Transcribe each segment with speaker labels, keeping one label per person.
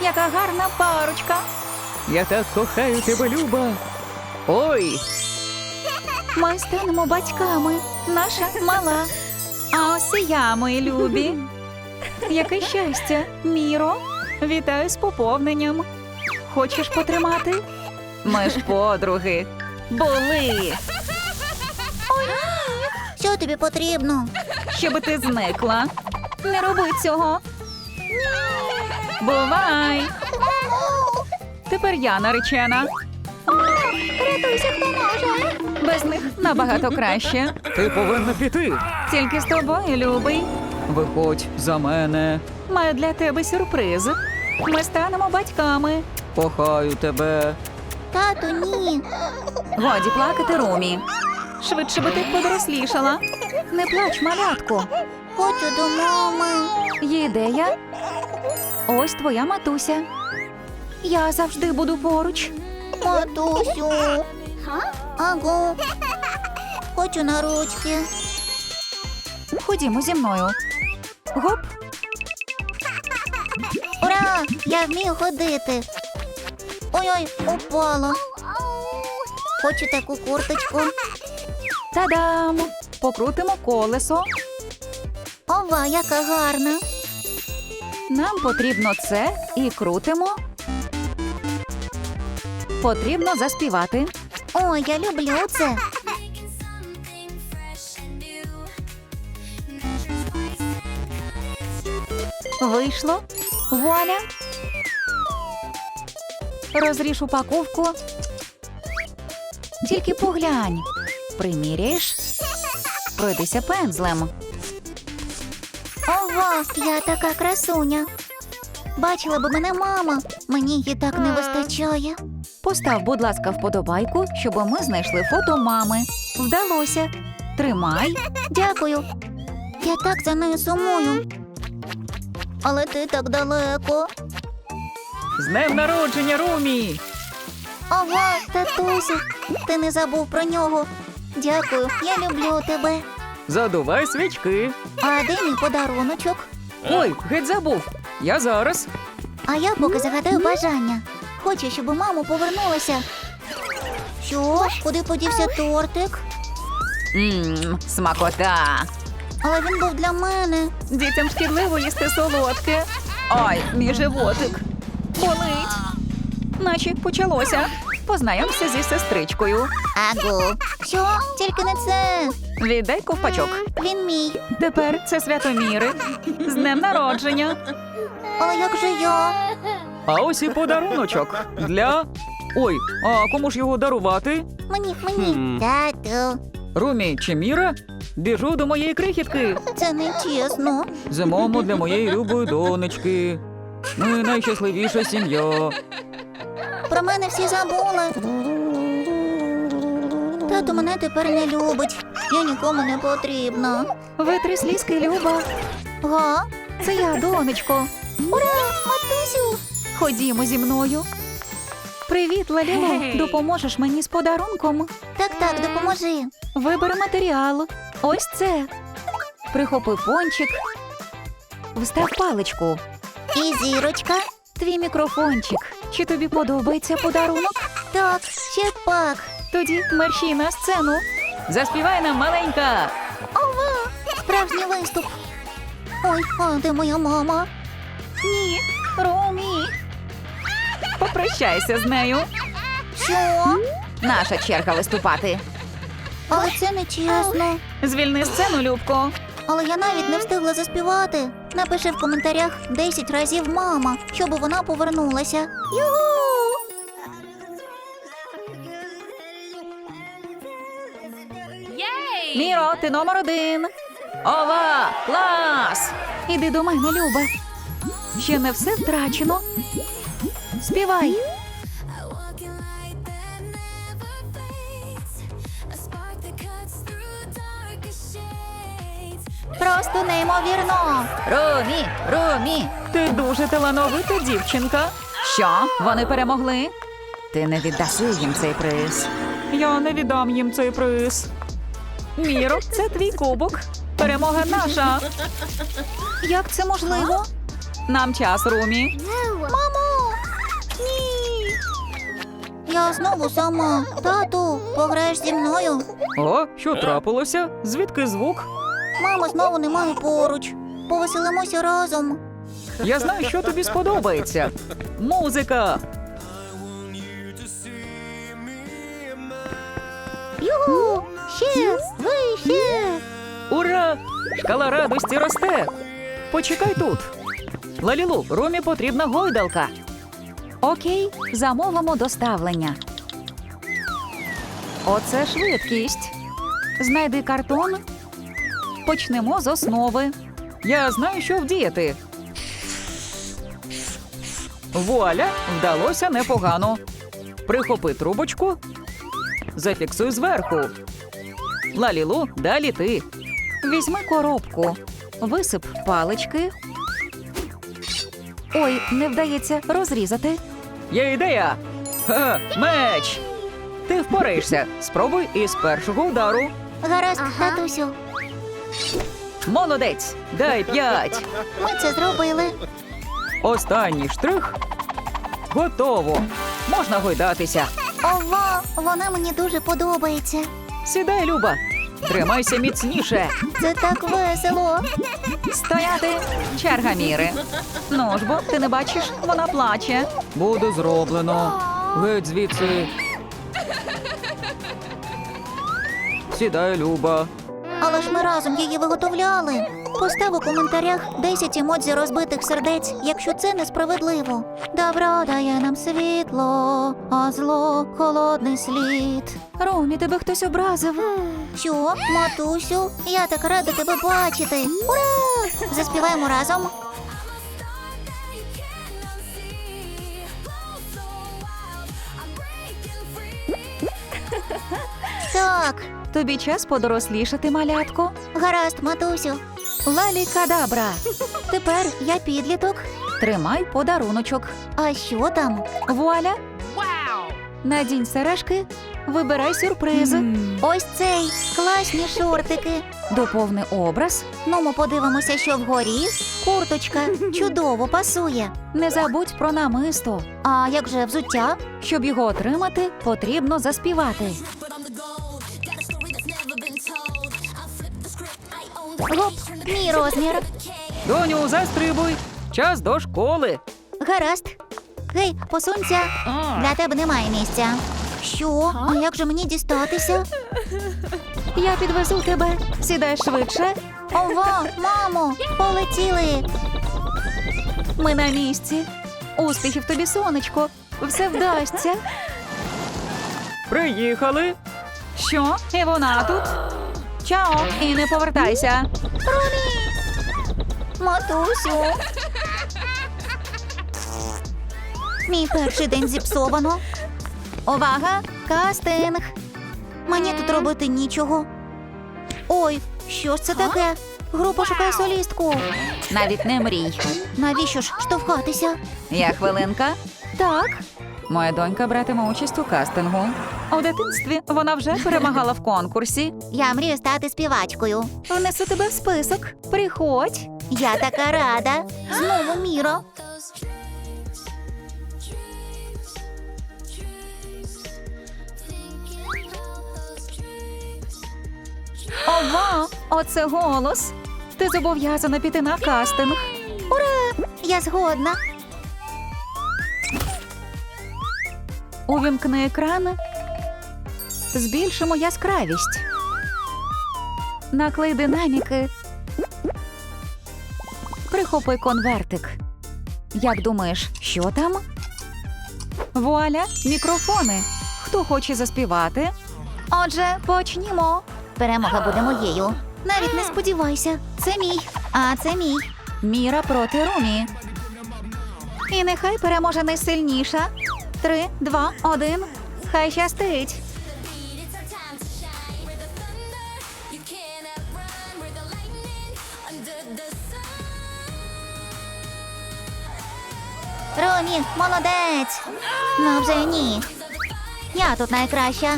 Speaker 1: Яка гарна парочка.
Speaker 2: Я так кохаю тебе, Люба. Ой,
Speaker 1: Ми станемо батьками. Наша мала. А ось і я, мої любі. Яке щастя, Міро. Вітаю з поповненням. Хочеш потримати? Ми ж подруги. Були.
Speaker 3: Що тобі потрібно?
Speaker 1: Щоби ти зникла. Не роби цього. Бувай. Тепер я наречена.
Speaker 3: Рятуйся, хто може.
Speaker 1: Без них набагато краще.
Speaker 2: ти повинна піти.
Speaker 1: Тільки з тобою, любий.
Speaker 2: Виходь за мене.
Speaker 1: Маю для тебе сюрприз. Ми станемо батьками.
Speaker 2: Кохаю тебе.
Speaker 3: Тату, ні.
Speaker 1: Годі плакати, Румі. Швидше би ти подорослішала. Не плач, малятко.
Speaker 3: Хочу до мами.
Speaker 1: Є ідея? Ось твоя матуся. Я завжди буду поруч.
Speaker 3: Матусю. Аго. Хочу на ручки.
Speaker 1: Ходімо зі мною. Гоп.
Speaker 3: Ура! Я вмію ходити. Ой-ой, упала. Хочу таку курточку.
Speaker 1: Та-дам! Покрутимо колесо.
Speaker 3: Ова, яка гарна.
Speaker 1: Нам потрібно це і крутимо. Потрібно заспівати.
Speaker 3: Ой, я люблю це.
Speaker 1: Вийшло. Вуаля. Розріж упаковку. Тільки поглянь. Приміряєш. Пройдися пензлем.
Speaker 3: Ова, я така красуня. Бачила би мене мама. Мені її так не вистачає.
Speaker 1: Постав, будь ласка, вподобайку, щоб ми знайшли фото мами. Вдалося. Тримай.
Speaker 3: Дякую. Я так за нею сумую. Але ти так далеко.
Speaker 2: З днем народження, Румі!
Speaker 3: Ова, татусю, ти не забув про нього. Дякую, я люблю тебе.
Speaker 2: Задувай свічки.
Speaker 3: А де мій подаруночок?
Speaker 2: Ой, геть забув. Я зараз.
Speaker 3: А я поки загадаю бажання. Хочу, щоб мама повернулася. Що? Куди подівся тортик?
Speaker 1: Смакота.
Speaker 3: Але він був для мене.
Speaker 1: Дітям шкідливо їсти солодке. Ай, мій животик. Болить. Наче почалося. Познайомся зі сестричкою.
Speaker 3: Аго. Що? Тільки не це.
Speaker 1: Віддай ковпачок.
Speaker 3: Він мій.
Speaker 1: Тепер це Святоміри. З днем народження.
Speaker 3: Але як же я?
Speaker 2: А ось і подаруночок. Для... Ой, а кому ж його дарувати?
Speaker 3: Мені. Тату.
Speaker 2: Румі чи Міра? Біжу до моєї крихітки.
Speaker 3: Це не чесно.
Speaker 2: Зимому для моєї любої донечки. Ми найщасливіша сім'я.
Speaker 3: Про мене всі забули. Тато мене тепер не любить. Я нікому не потрібна.
Speaker 1: Витри слізки, Люба.
Speaker 3: Га?
Speaker 1: Це я, донечко.
Speaker 3: Ура, матусю!
Speaker 1: Ходімо зі мною. Привіт, Лалілу. Допоможеш мені з подарунком?
Speaker 3: Так, допоможи.
Speaker 1: Вибери матеріал. Ось це. Прихопи пончик. Встав паличку.
Speaker 3: І зірочка.
Speaker 1: Твій мікрофончик. Чи тобі подобається подарунок?
Speaker 3: Так, ще пак.
Speaker 1: Тоді мерщій на сцену. Заспівай нам, маленька.
Speaker 3: Ова, справжній виступ. Ой, а де моя мама?
Speaker 1: Ні, Румі. Попрощайся з нею.
Speaker 3: Що?
Speaker 1: Наша черга виступати.
Speaker 3: Але це не чесно.
Speaker 1: Звільни сцену, Любко.
Speaker 3: Але я навіть не встигла заспівати. Напиши в коментарях 10 разів мама, щоб вона повернулася. Югу!
Speaker 1: Міро, ти номер 1. Ова, клас! Іди до мене, Люба. Ще не все втрачено. Співай. Просто неймовірно. Румі, Румі, ти дуже талановита дівчинка. Що? Вони перемогли? Ти не віддаси їм цей приз. Я не віддам їм цей приз. Міро, це твій кубок. Перемога наша. Як це можливо? Нам час, Румі.
Speaker 3: Мамо! Я знову сама. Тату, пограєш зі мною?
Speaker 2: О, що трапилося? Звідки звук?
Speaker 3: Мама знову немає поруч. Повеселимося разом.
Speaker 2: Я знаю, що тобі сподобається. Музика!
Speaker 3: Юху! Ще! Вище!
Speaker 2: Ура! Шкала радості росте! Почекай тут. Лалілу, Ромі потрібна гойдалка.
Speaker 1: Окей, замовимо доставлення. Оце швидкість. Знайди картон. Почнемо з основи.
Speaker 2: Я знаю, що вдіяти. Вуаля, вдалося непогано. Прихопи трубочку. Зафіксуй зверху. Лалілу, далі ти.
Speaker 1: Візьми коробку. Висип палички. Ой, не вдається розрізати.
Speaker 2: Є ідея. Ха, меч. Ти впораєшся. Спробуй із першого удару.
Speaker 3: Гаразд, татусю.
Speaker 2: Молодець. Дай 5.
Speaker 3: Ми це зробили.
Speaker 2: Останній штрих. Готово. Можна гойдатися.
Speaker 3: Ова, вона мені дуже подобається.
Speaker 2: Сідай, Люба. Тримайся міцніше.
Speaker 3: Це так весело.
Speaker 1: Стояти. Черга Міри. Ну ж бо, ти не бачиш, вона плаче.
Speaker 2: Буде зроблено. Геть звідси. Сідай, Люба.
Speaker 3: Але ж ми разом її виготовляли. Постав у коментарях 10 емодзі розбитих сердець, якщо це несправедливо. Добро дає нам світло, а зло – холодний слід.
Speaker 1: Ромі, тебе хтось образив.
Speaker 3: Що, матусю? Я так рада тебе бачити. Ура! Заспіваємо разом. Так,
Speaker 1: Тобі час подорослішати, малятко.
Speaker 3: гаразд, матусю.
Speaker 1: Лалі кадабра.
Speaker 3: Тепер я підліток.
Speaker 1: Тримай подаруночок.
Speaker 3: А що там?
Speaker 1: Вуаля. Надінь сережки. Вибирай сюрприз.
Speaker 3: Ось цей. Класні шортики.
Speaker 1: Доповни образ.
Speaker 3: Ну, ми подивимося, що вгорі. Курточка чудово пасує.
Speaker 1: Не забудь про намисто.
Speaker 3: А як же взуття?
Speaker 1: Щоб його отримати, потрібно заспівати.
Speaker 3: Гоп, мій розмір.
Speaker 2: Доню, застрибуй. Час до школи.
Speaker 3: Гаразд. Гей, посунься. Для тебе немає місця. Що? А як же мені дістатися?
Speaker 1: Я підвезу тебе. Сідай швидше.
Speaker 3: Ова, мамо, полетіли.
Speaker 1: Ми на місці. Успіхів тобі, сонечко. Все вдасться.
Speaker 2: Приїхали.
Speaker 1: Що? І вона тут? Чао, і не повертайся.
Speaker 3: Матусю. Мій перший день зіпсовано. Увага! Кастинг! Мені тут робити нічого. Ой, що ж це таке? Група шукає солістку.
Speaker 1: Навіть не мрій.
Speaker 3: Навіщо ж штовхатися?
Speaker 1: Я хвилинка.
Speaker 3: Так,
Speaker 1: Моя донька братиме участь у кастингу. У дитинстві вона вже перемагала в конкурсі.
Speaker 3: я мрію стати співачкою.
Speaker 1: Внесу тебе в список. Приходь.
Speaker 3: Я така рада. Знову Міра.
Speaker 1: Ова, оце голос. Ти зобов'язана піти на кастинг.
Speaker 3: Я згодна.
Speaker 1: Увімкни екран. Збільшимо яскравість. Наклей динаміки. Прихопи конвертик. Як думаєш, що там? Вуаля, мікрофони. Хто хоче заспівати?
Speaker 3: Отже, почнімо. Перемога буде моєю. Навіть не сподівайся. Це мій. А це мій.
Speaker 1: Міра проти Румі. І нехай переможе найсильніша. 3, 2, 1. Хай щастить.
Speaker 3: Ромі, молодець. Ну вже ні. Я тут найкраща.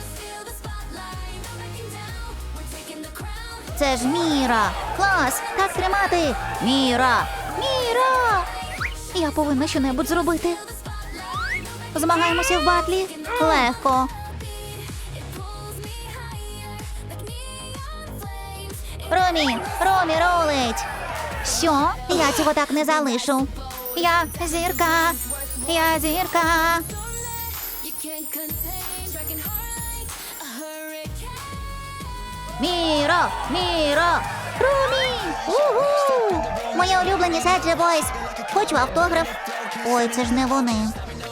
Speaker 3: Це ж Міра. Клас, так тримати. Міра. Міра. Я повинна щонебудь зробити. Змагаємося в батлі? Легко. Ромі рулить. Що? Я цього так не залишу. Я зірка. Міро! Ромі! Уху! Мої улюблені Саджі Бойс. Хочу автограф. Ой, це ж не вони.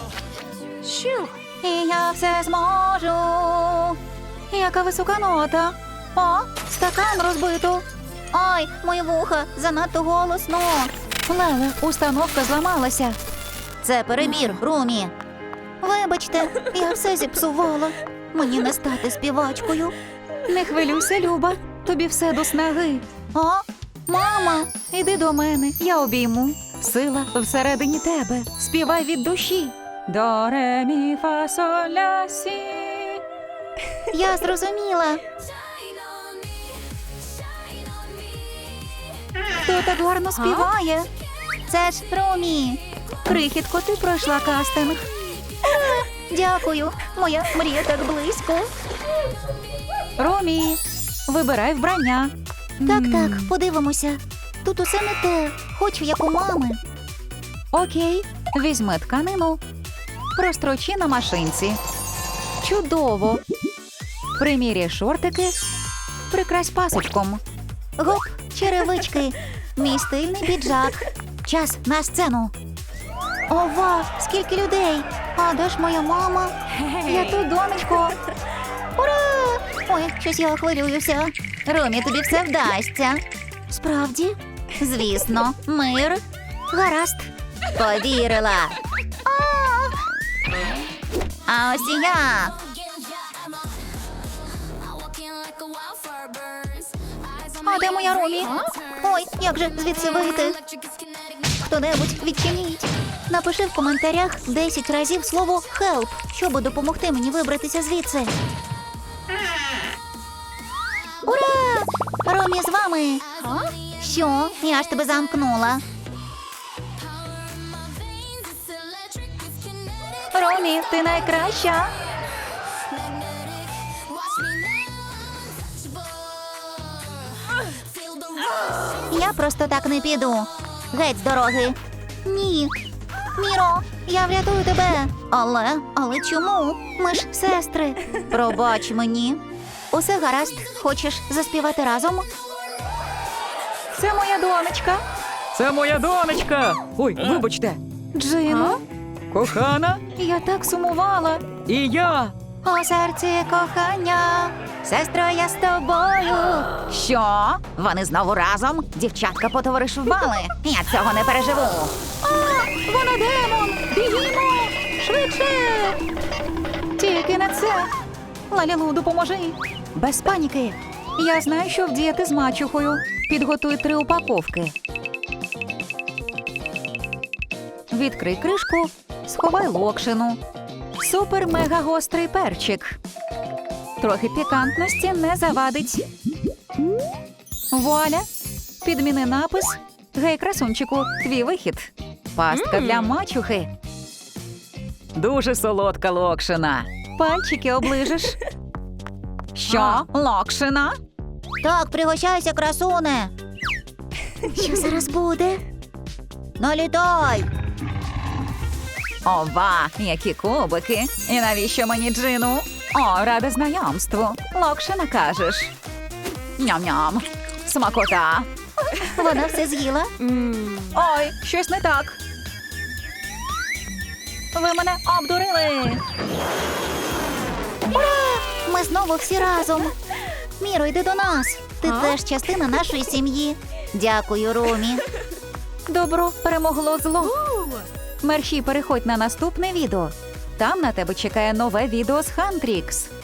Speaker 1: І я все зможу. Яка висока нота. О, стакан розбито.
Speaker 3: Ой, мої вуха, занадто голосно.
Speaker 1: Леле, установка зламалася.
Speaker 3: Це перебір, Румі. Вибачте, я все зіпсувала. Мені не стати співачкою.
Speaker 1: Не хвилюйся, Люба. Тобі все до снаги.
Speaker 3: О, мама!
Speaker 1: Іди до мене, я обійму. Сила всередині тебе. Співай від душі. До, ре, мі, фа, соль, ля, сі.
Speaker 3: Я зрозуміла.
Speaker 1: Хто так гарно співає?
Speaker 3: Це ж Румі.
Speaker 1: Крихітко, ти пройшла кастинг.
Speaker 3: Дякую. Моя мрія так близько.
Speaker 1: Ромі, вибирай вбрання.
Speaker 3: Так, подивимося. Тут усе не те. Хочу, як у мами.
Speaker 1: Окей, візьми тканину. Прострочи на машинці. Чудово. Приміряй шортики. Прикрась пасочком.
Speaker 3: Гоп, черевички. Мій стильний піджак. Час на сцену. Ова, скільки людей. А де ж моя мама? Я тут, донечко. Ура! Ой, щось я хвилююся. Ромі, тобі все вдасться. Справді? Звісно. Мир. Гаразд. Повірила. А ось і я. А де моя Ромі? Ой, як же звідси вийти? Хто-небудь відчиніть. Напиши в коментарях 10 разів слово «help», щоб допомогти мені вибратися звідси. Ура! Ромі з вами. Що? Я ж тебе замкнула.
Speaker 1: Ромі, ти найкраща.
Speaker 3: Я просто так не піду. Геть з дороги. Ні. Міро, я врятую тебе. Але чому? Ми ж сестри. Пробач мені. Усе гаразд. Хочеш заспівати разом?
Speaker 1: Це моя донечка.
Speaker 2: Це моя донечка. Ой, вибачте.
Speaker 1: Джино,
Speaker 2: Кохана,
Speaker 1: я так сумувала.
Speaker 2: і я.
Speaker 3: У серці кохання. Сестро, я з тобою.
Speaker 1: Що? Вони знову разом? Дівчатка потоваришували. Я цього не переживу.
Speaker 3: Вона демон. Бігімо. Швидше.
Speaker 1: Тільки не це. Лалілу, допоможи. Без паніки. Я знаю, що вдіяти з мачухою. Підготуй 3 упаковки. Відкрий кришку, сховай локшину. Супер-мега-гострий перчик. Трохи пікантності не завадить. Вуаля! Підміни напис. Гей, красунчику, твій вихід. Пастка для мачухи.
Speaker 2: Дуже солодка локшина.
Speaker 1: Пальчики оближеш. Що? Локшина?
Speaker 3: Так, пригощайся, красуне. Що зараз буде? Налітай.
Speaker 1: Ова, які кубики. І навіщо мені джину? О, рада знайомству. Локшина кажеш. Ням-ням. Смакота.
Speaker 3: Вона все з'їла.
Speaker 1: Ой, щось не так. Ви мене обдурили.
Speaker 3: Ура! Ми знову всі разом. Міро, йди до нас. Ти теж частина нашої сім'ї. Дякую, Ромі.
Speaker 1: Добро перемогло зло. Мерщій переходь на наступне відео. Там на тебе чекає нове відео з Хантрікс.